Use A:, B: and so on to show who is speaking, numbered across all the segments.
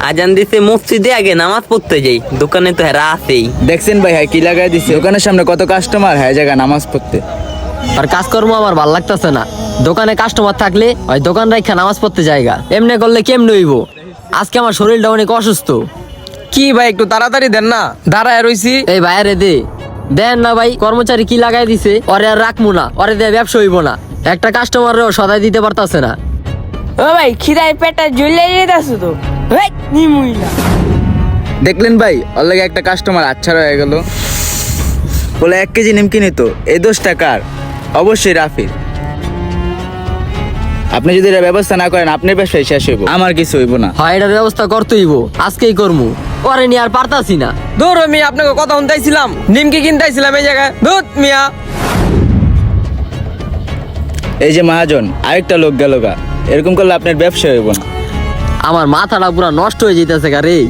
A: আজান দিছে মসজিদে, আগে নামাজ পড়তে যাই, দোকানে তো হেরা আছেই।
B: দেখছেন ভাই হ্যাঁ কি লাগাই দিছে, দোকানের সামনে কত কাস্টমার, হ্যাঁ জায়গা নামাজ পড়তে।
C: আর কাজকর্ম আমার ভাল লাগতেছে না। দোকানে কাস্টমার থাকলে ওই দোকান রাখা নামাজ পড়তে জায়গা, এমনি করলে কেমনে হইব? আজকে আমার শরীরটা অনেক অসুস্থ।
D: কি ভাই একটু তাড়াতাড়ি দেন না, দাঁড়ায় রইছি।
C: এই ভাইয়ারে দে দেন না ভাই, কর্মচারী কি লাগাই দিছে, ওরে আর রাখবো না, ওরে দিয়ে ব্যবসা হইব না। একটা কাস্টমারও সদাই দিতে পারতাছে না।
E: ও ভাই খিদায় পেটটা জ্বলে যেতেছে তো। হেই, নিমুইলা।
B: দেখলেন ভাই ওর লাগে একটা কাস্টমার আচ্ছা হয়ে গেল। বলে 1 কেজি নিমকি নিত, এই 10 টাকার অবশ্যই রাফির। আপনি যদি এর ব্যবস্থা না করেন আপনার ব্যবসায় শেষ হইব, আমার কিছু হইব না।
C: হয় এটার ব্যবস্থা করতে হইব, আজকেই করমু। ওরে নিয়ে আর পারতাছি না।
D: দূর মিয়া, আপনাকে কথা শুনতেছিলাম, নিমকি কিনতেছিলাম এই জায়গায়। দুধ মিয়া,
B: এই যে মহাজন আরেকটা লোক গেল গা, এরকম করলে আপনার ব্যবসা হইব না।
C: আমার মাথাটা পুরা নষ্ট হয়ে যেতেছে গা রে।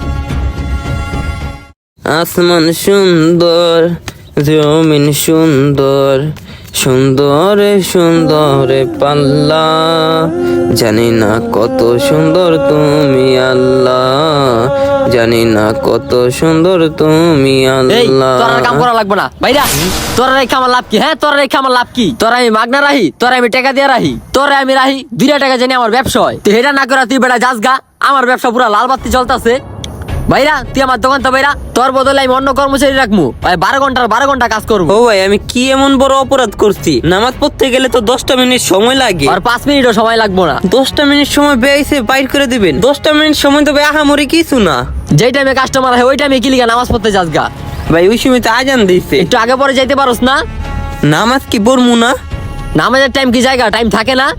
A: আসমান সুন্দর, জমিন সুন্দর, সুন্দরে সুন্দরে পাল্লা, জানি না কত সুন্দর তুমি আল্লাহ, জানি না কত সুন্দর তুমি
C: এই
A: আল্লাহ।
C: তোর আর কাম করা লাগবে না ভাইরা। তোরা রেখে আমার লাভ কি? হ্যাঁ তোরা রেখে আমার লাভ কি? তোরা আমি মাগনা রাহি, তোরা আমি টাকা দিয়ে রাহি, তোরা আমি রাহি 2 টাকা জানি আমার ব্যবসা হয়। তুই এটা না করে তুই বেটা যাস গা, আমার ব্যবসা পুরা লাল বাতি জ্বলতাছে। ভাইরা তুই আমার দোকান তো ভাইরা, তোর বদলে আমি অন্য কর্মচারী রাখবো, 12 ঘন্টা কাজ করবো।
A: ও ভাই, আমি কি এমন বড় অপরাধ করছি? নামাজ পড়তে গেলে তো 10টা মিনিট সময় লাগে,
C: আর 5 মিনিটও সময় লাগবো না।
A: 10টা মিনিট সময় বেয়েছে বাইর করে দিবেন? 10টা মিনিট সময় তো আহামরি কিছু না
C: যেই টাইমে কাস্টমার হয় ওই টাইমে কি লিগা নামাজ পড়তে যাস গা?
A: ভাই। ওই সময় তো আজান দিছে,
C: একটু আগে পরে যাইতে পারোস না?
A: নামাজ কি পড়মু না?
C: নামাজের টাইম কি জায়গা টাইম থাকে না?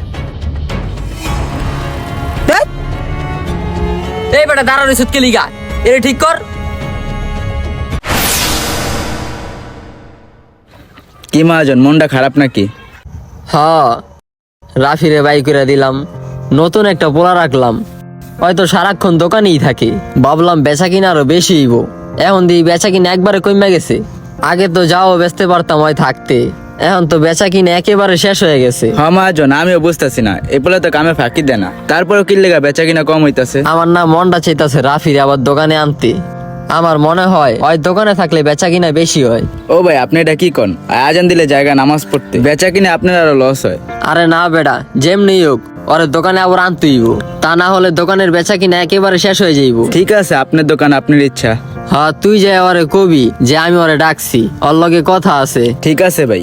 A: ধ্যাৎ।
C: এই বেটা দাঁড়ানো সুতকে লিগা, এটা ঠিক কর।
B: কি মহাজন মনটা খারাপ নাকি?
C: হ্যাঁ, রাফিরে বাই করে দিলাম, নতুন একটা পোলা রাখলাম, হয়তো সারাক্ষণ দোকানেই থাকে। ভাবলাম বেচা কিনা আরো বেশি হইব, এখন দিয়ে বেচা কিনা একবারে কমে গেছে। আগে তো যাও বেচতে পারতাম হয় থাকতে, এখন তো বেচা কিনা একেবারে শেষ হয়ে গেছে।
B: হ্যাঁ মহাজন আমিও বুঝতেছি না, এগুলো তো কামে ফাঁকি দেয় না, তারপরেও কি লেগা বেচা কিনা কম হইতাছে।
C: আমার না মনটা চাইতাছে রাফিরে আবার দোকানে আনতে। আমার মনে হয় ওই দোকানে থাকলে বেচা কিনা বেশি হয়।
B: ও ভাই আপনি এটা কি কন? আজান দিলে জায়গা নামাজ পড়তে, বেচা কিনে আপনার আরো লস হয়।
C: আরে না বেটা, যেমনি হোক ওরে দোকানে আবার আনতেইব, তা না হলে দোকানের বেচা কিনা একেবারে শেষ হয়ে যাইব।
B: ঠিক আছে আপনার দোকান আপনার ইচ্ছা।
C: হ্যাঁ তুই যে ওরে কবি যে আমি ওরে ডাকছি, ওর লগে কথা আছে।
B: ঠিক আছে ভাই।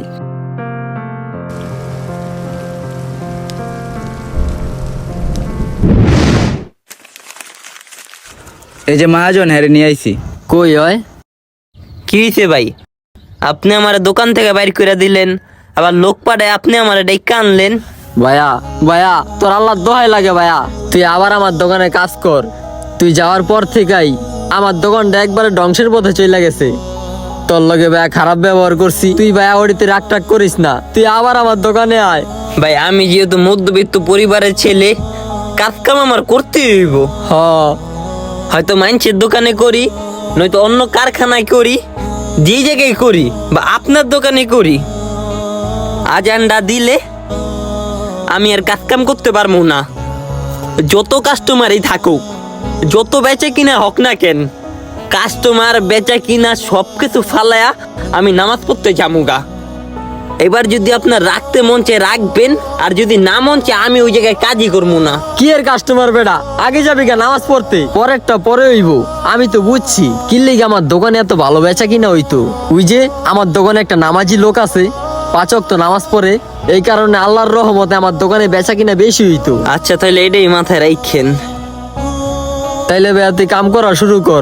B: এই যে মহাজন হ্যারে নিয়ে আইছি।
C: কই হয়?
A: কি হয়েছে ভাই? আপনি আমার দোকান থেকে বাইর করে দিলেন, আবার লোক পাঠায় আপনি আমার ডেকে আনলেন।
C: ভাইয়া ভাইয়া তোর আল্লাহ দোহাই লাগে ভাইয়া, তুই আবার আমার দোকানে কাজ কর। তুই যাওয়ার পর থেকেই আমার দোকানটা একবারে ধ্বংসের পথে চলে গেছে। তোর লগে ভাইয়া খারাপ ব্যবহার করছি, তুই ভাইয়া ওড়িতে রাগ টাগ করিস না, তুই আবার আমার দোকানে আয়।
A: ভাই আমি যেহেতু মধ্যবিত্ত পরিবারের ছেলে, কাজ কাম আমার করতে হইব।
C: হ
A: হয়তো মাইনসের দোকানে করি, নয়তো অন্য কারখানায় করি, যে জায়গায় করি বা আপনার দোকানে করি, আজানটা দিলে আমি আর কাজ কাম করতে পারবো না। যত কাস্টমারই থাকুক, যত বেচা কিনা হোক না কেন, কাস্টমার বেচা কিনা সবকিছু ফালায়া আমি নামাজ পড়তে যামুগা। এবার যদি আপনার রাখতে মন চায় রাখবেন, আর যদি না মন চায় আমি ওই জায়গায় কাজই করবো না।
C: কি এর কাস্টমার বেটা, আগে যাবি গা নামাজ পড়তে, পরেরটা পরে হইব। আমি তো বুঝছি কি লিগে আমার দোকানে এত ভালো বেচা কিনা হইতো। ওই যে আমার দোকানে একটা নামাজি লোক আছে, 5 ওয়াক্ত নামাজ পড়ে, এই কারণে আল্লাহর রহমতে আমার দোকানে বেচা কিনা বেশি হইতো।
A: আচ্ছা তাহলে এটাই মাথায় রাখেন।
C: তাইলে ভাইয়া তুই কাম করা শুরু কর।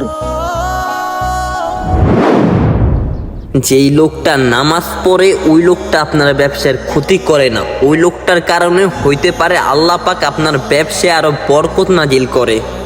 A: যেই লোকটা নামাজ পড়ে ওই লোকটা আপনার ব্যবসার ক্ষতি করে না, ওই লোকটার কারণে হইতে পারে আল্লাহ পাক আপনার ব্যবসায় আরো বরকত নাজিল করে।